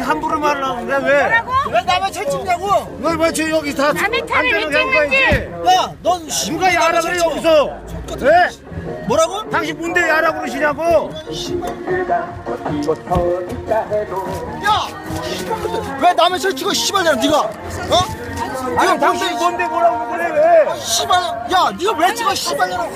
함부로 말하려고 그래 왜? 뭐라고? 왜 남의 차 찍냐고? 왜 저 여기 다 남의 차를 왜 안전하게 찍는지. 야, 넌 누가 야라 그래 여기서? 왜? 뭐라고? 당신 뭔데 야라 그러시냐고? 야, 왜 남의 차 찍어 씨발이야 네가? 어? 아니 당신 뭔데 뭐라고 그래 왜? 씨발, 야, 네가 왜 찍어 씨발이라고?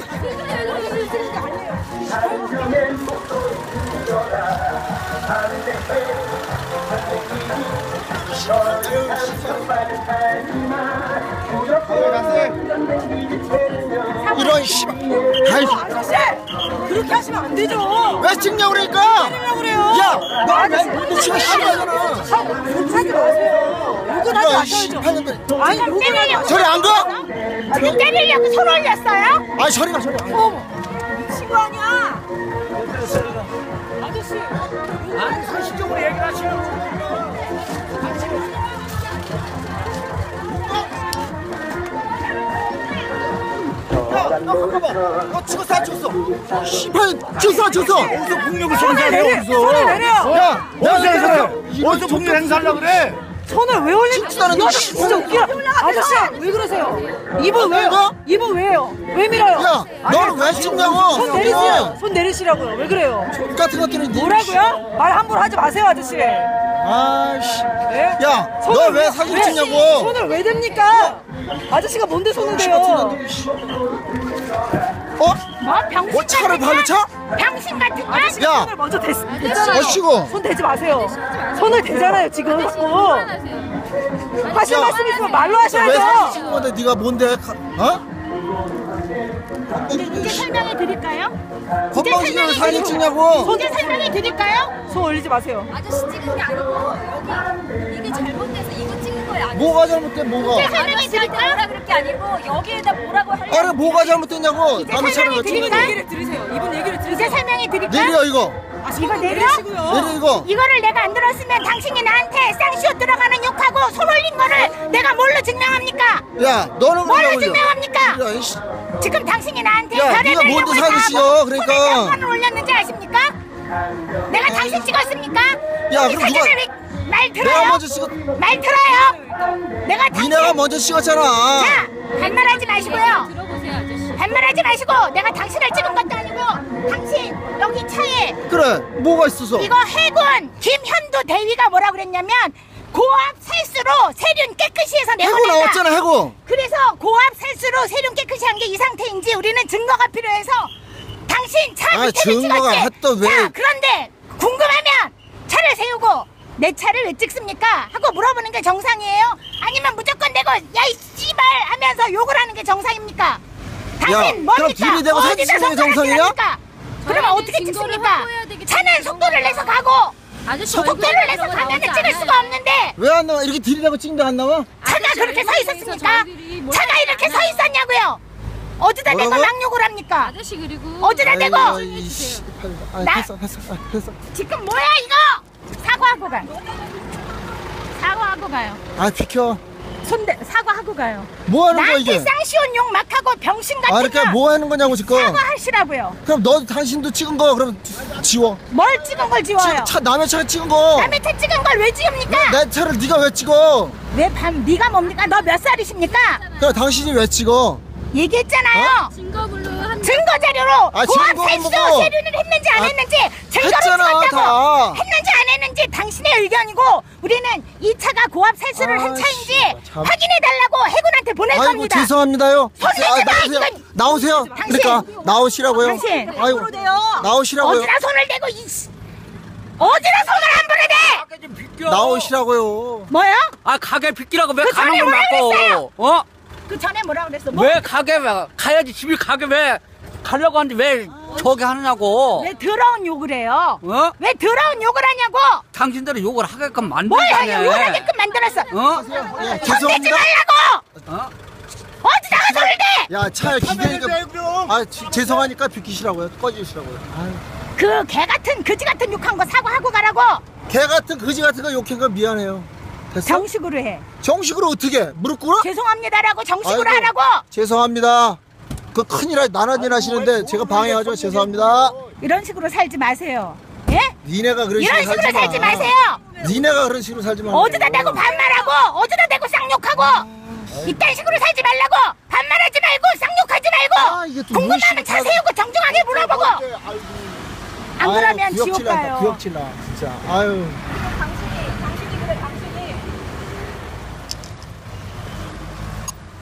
이런 씨발. 아이, 아저씨 그렇게 하시면 안 되죠. 왜 찍냐고 그러니까? 때리려고 그래요. 야, 너왜 찍어 씨발이잖아. 욕하지 마세요. 욕은 하지 야, 마셔야죠. 씨발년들. 아니 때리려고. 저리 안 가? 지금 때리려고 손 올렸어요? 아이, 저리 가, 저리 가. 미친 거 아니야? 아저씨. 아니 상식적으로 얘기를 하시라고. 야, 너 잠깐만. 너 죽었어, 안 죽었어? 씨발, 죽었어, 안 죽었어? 어디서 폭력을 행사하려 어디서? 손을 내려. 야, 어디서 행사해? 어디서 폭력 행사하려고 그래? 손을 왜 올리는 진짜는 거야? 너 진짜 웃기다. 아저씨 왜 그러세요? 입은 왜요? 뭐? 입은 왜요? 왜 밀어요? 야, 너는 왜 찍냐고? 손 내리세요. 손 내리시라고요. 왜 그래요? 같은 것들은 네 뭐라고요? 말 함부로 하지 마세요, 아저씨. 아씨. 네? 야, 너 손을 왜 사진 왜- 찍냐고? 손을 왜 댑니까? 아저씨가 뭔데 손을 대요? 어? 뭐 병신 뭐 차를 같은 발로 차? 병신 같은 거? 야. 손을 먼저 댔잖아요. 어시고. 손 대지 마세요. 손을 대잖아요 지금 자꾸. 하실 야. 말씀 있으면 말로 왜 사진 하셔야죠. 찍는 건데 네가 뭔데? 어? 이제 설명해 드릴까요? 건방지게 사진 찍냐고? 이제 설명해 드릴까요? 손 올리지 마세요. 아저씨 찍은 게 아니고 여기 이게 잘못돼서 이거 찍은 거예요. 아저씨. 뭐가 잘못돼 뭐가? 설명해 드릴까요? 뭐라 그럴 게 아니고 여기에다 뭐라고 하려고. 아니 뭐가 잘못됐냐고? 남의 차를 왜 이분 찍냐? 얘기를 들으세요. 이분 얘기를 이제 들으세요. 설명해 드릴까요? 내려 이거. 이거 내려? 내려 이거. 이거를 내가 안 들었으면 당신이 나한테 쌍시옷 들어가는 욕하고 손 올린 거를 내가 뭘로 증명합니까? 야, 너는 뭘로 올려. 증명합니까? 야, 이씨. 지금 당신이 나한테 야, 별의별 네가 뭔데 욕을 다 사기치여, 하고 그러니까. 손에 몇 번을 올렸는지 아십니까? 내가 당신 찍었습니까? 야, 이 그럼 사진을 누가- 왜- 말 내가 들어요? 먼저 찍었. 말 들어요? 내가 당신 니네가 먼저 찍었잖아. 자, 반말하지 마시고요. 들어보세요 아저씨. 반말하지 마시고 내가 당신을 찍은 것도 아니고 당신 여기 차에 그래, 뭐가 있어서? 이거 해군 김현도 대위가 뭐라 그랬냐면 고압 살수로 세륜 깨끗이 해서 해고 내보낸다. 나왔잖아, 해고. 그래서 고압 살수로 세륜 깨끗이 한 게 이 상태인지 우리는 증거가 필요해서 당신 차 아, 밑에를 증거가 찍었지. 했던 왜- 자, 그런데 궁금하면 차를 세우고 내 차를 왜 찍습니까? 하고 물어보는 게 정상이에요? 아니면 무조건 내고 야이 씨발 하면서 욕을 하는 게 정상입니까? 당신 그럼 뭡니까? 들이대고 사진 어디다 찍는 게 정상이냐? 손가락질합니까? 그러면 아니, 어떻게 증거를 찍습니까? 확보해야 되기 차는 때문에 속도를 그런 내서 거예요. 가고 아저씨 속도를 내서 가면 찍을 수가 없는데 왜 안 나와? 이렇게 들이대고 찍는데 안 나와? 차가 그렇게 서 있었습니까? 차가 이렇게 서 있었냐고요? 어디다 대고 뭐라고? 낙욕을 합니까? 아저씨 그리고 어디다 대고 아이고, 이 씨. 아니, 나- 됐어. 지금 뭐야 이거? 사과하고 가. 사과하고 가요. 아, 비켜. 사과하고 가요. 뭐 하는 거야, 나한테 이게? 쌍시온 욕 막 하고 병신 같은 아, 거 그러니까 뭐 하는 거냐고, 지금. 사과하시라고요. 그럼 너 당신도 찍은 거, 그럼 지워. 뭘 찍은 걸 지워요? 남의 차에 찍은 거. 남의 차 찍은 걸 왜 지웁니까? 내 차를 네가 왜 찍어? 네가 뭡니까? 너 몇 살이십니까? 그럼 당신이 왜 찍어? 얘기했잖아요. 증거물로 한 증거 자료로 아, 고압 증거는 살수 뭐고? 세륜을 했는지 안 아, 했는지 증거를 했잖아, 찍었다고 다. 했는지 안 했는지 당신의 의견이고 우리는 이 차가 고압 살수를 한 아, 차인지 씨발, 참. 확인해 달라고 해군한테 보낼 아이고, 겁니다. 죄송합니다요. 손 내지 마, 나오세요. 이건. 나오세요. 당신. 그러니까 나오시라고요. 당신. 아이고, 나오시라고요. 어디다 손을 대고 어디다 손을 함부로 대? 나오시라고요. 뭐요? 아 가게 비키라고 왜 그 가는 전에 걸 뭐라 막고 그랬어요? 어? 그 전에 뭐라 그랬어? 뭐? 왜 가게 왜 가야지 집이 가게 왜 가려고 하는데 왜 저기 하느냐고 왜 더러운 욕을 해요? 어? 왜 더러운 욕을 하냐고? 당신들이 욕을 하게끔 뭘 만들자네 욕을 하게끔 만들었어? 어? 예, 손 대지 죄송합니다. 말라고! 어? 어디다가 손을 대? 야, 차에 기대니까. 왜 그럼? 아, 죄송하니까 비키시라고요. 꺼지시라고요. 아유. 그 개 같은 그지 같은 욕한 거 사과하고 가라고. 개 같은 거지 같은 거 욕한 거 미안해요. 됐어? 정식으로 해. 정식으로 어떻게 해? 무릎 꿇어? 죄송합니다라고 정식으로 아이고, 하라고. 죄송합니다. 그 큰일 나란 일 하시는데 제가 방해하죠. 죄송합니다. 이런 식으로 살지 마세요. 예? 니네가 그런 이런 식으로 식으로 살지 마세요. 니네가 그런 식으로 살지 말고. 어디다 대고 반말하고 어디다 대고 쌍욕하고 이딴 식으로 살지 말라고. 반말하지 말고 쌍욕하지 아, 이게 말고 또 궁금하면 무엇이고 차 세우고 정중하게 물어보고. 안 그러면 지옥 가요. 구역질나 진짜. 아유.